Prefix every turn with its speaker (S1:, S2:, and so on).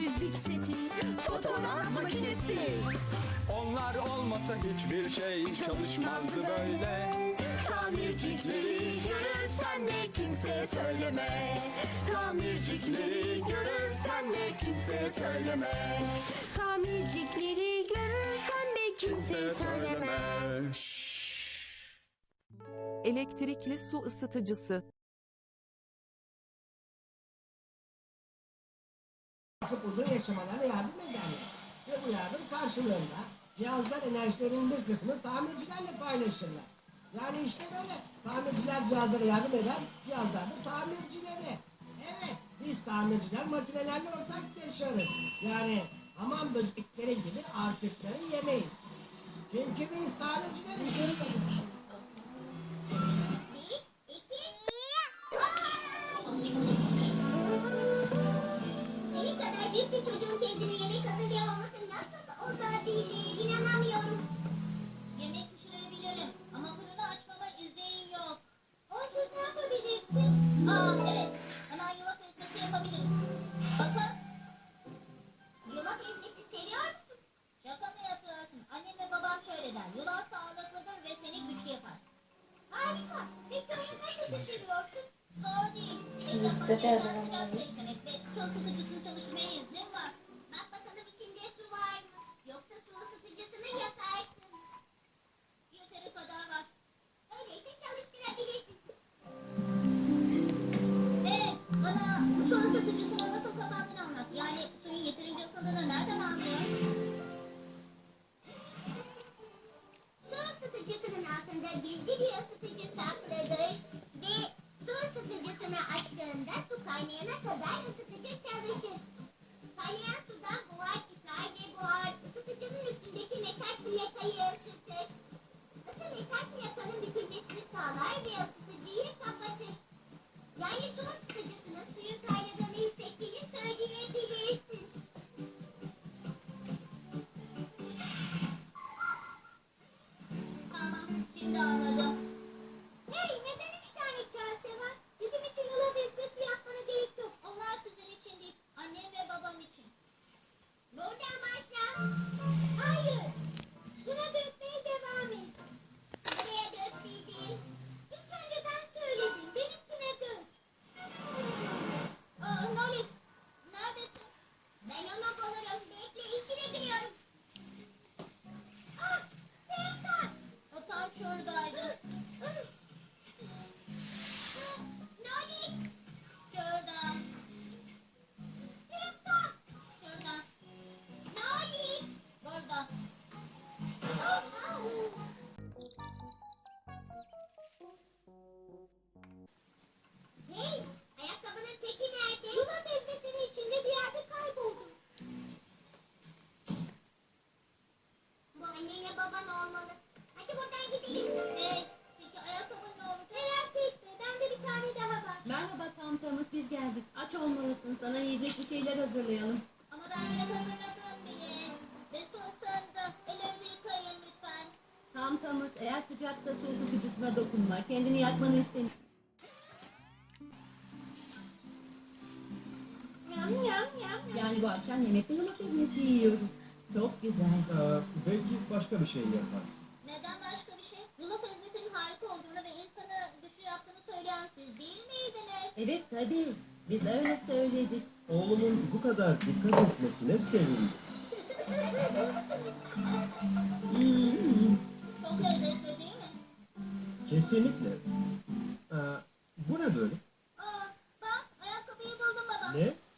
S1: temizlik seti, fotoğraf makinesi.
S2: Onlar olmasa hiçbir şey çalışmazdı böyle.
S1: Tamircikleri görürsen de kimseye söyleme. Tamircikleri görürsen de kimseye söyleme. Tamircikleri görürsen de kimseye söyleme.
S3: Elektrikli su ısıtıcısı.
S4: Uzun yaşamalarına yardım ederler. Ve bu yardım karşılığında cihazlar enerjilerinin bir kısmını tamircilerle paylaşırlar. Yani işte böyle tamirciler cihazlara yardım eder, cihazlar da tamircilere. Evet, biz tamirciler makinelerle ortak yaşarız. Yani hamam böcekleri gibi artıkları yemeyiz. Çünkü biz tamircileriz.
S5: Senin kadar büyük bir çocuğun kendine yemek hazırlayamaması nasıl olabilir? İnanamıyorum. Yemek pişirebilirim ama fırını açmama izin yok. Onsuz ne yapabilirsin? Evet. Hemen yulaf ezmesi yapabilirim. Bakın. Yulaf ezmesi seviyor musun? Şaka mı yapıyorsun? Annem ve babam şöyle der. Yulaf sağlıklıdır ve seni güçlü yapar. Harika. Peki onu nasıl pişiriyorsun? Zor değil. Sıcak eklemek ve su ısıtıcısını çalışmaya izin var. Bak bakalım içinde su var mı? Yoksa su ısıtıcısını yakarsın. Yeteri kadar var. Öyleyse çalıştırabilirsin. Evet, bana bu su ısıtıcısının nasıl kapandığını anlat. Yani suyun yeterince ısındığını nereden anlıyorsun? Su ısıtıcısının altında gizli bir ısıtıcı saklıdır. Ve su ısıtıcısını açtığında su kaynayana kadar ısıtıcı çalışır. Kaynayan sudan buhar çıkar ve buhar ısıtıcının üstündeki metal plakayı ısıtır. Isı metal plakanın bükülmesini sağlar ve ısıtıcıyı kapatır. Yani su ısıtıcısının suyun kaynadığını hissettiğini söyleyebilirsin. Tamam, şimdi anladım. Hey, neden 3 tane kase var? Bizim için yulaf ezmesi yapmana gerek yok. Onlar sizin için değil, annem ve babam için. Buradan başla. Hayır. Buna dökmeye devam et. Buraya dök dedim. İlk önce ben söyledim. Benimkine dök. Noli, neredesin? Ben onu bulurum. Bekle, içine giriyorum. Ah, Seytan. O tam şuradaydı. Noli. Şurada. Seytan. Şurada. Noli. Burada. Hey, ayakkabının teki nerede? Yulaf ezmesinin içinde bir yerde kayboldu. Bu annenle baban olmalı. Hadi buradan gidelim. Peki ayakkabın ne olur? Merak etme, bende bir tane daha var.
S6: Merhaba Tamtamız, biz geldik. Aç olmalısın, sana yiyecek bir şeyler hazırlayalım.
S5: Ama ben yemek hazırladım bile. Ve su ısındı. Ellerinizi yıkayın lütfen.
S6: Tamtamız, eğer sıcaksa su ısıtıcısına dokunma. Kendini yakmanı istemiyorum.
S5: Yam yam yam.
S6: Yani bu akşam yemekte yulaf ezmesi yiyoruz. Çok güzel.
S7: Belki başka bir şey yaparsın.
S5: Neden başka bir şey? Yulaf ezmesinin harika olduğunu ve insanı güçlü yaptığını söyleyen siz değil miydiniz?
S6: Evet tabii, biz öyle söyledik.
S7: Oğlumun bu kadar dikkat etmesine sevindim.
S5: Çok lezzetli değil mi?
S7: Kesinlikle. Bu ne böyle?
S5: Bak ayakkabıyı buldum baba.
S7: Ne?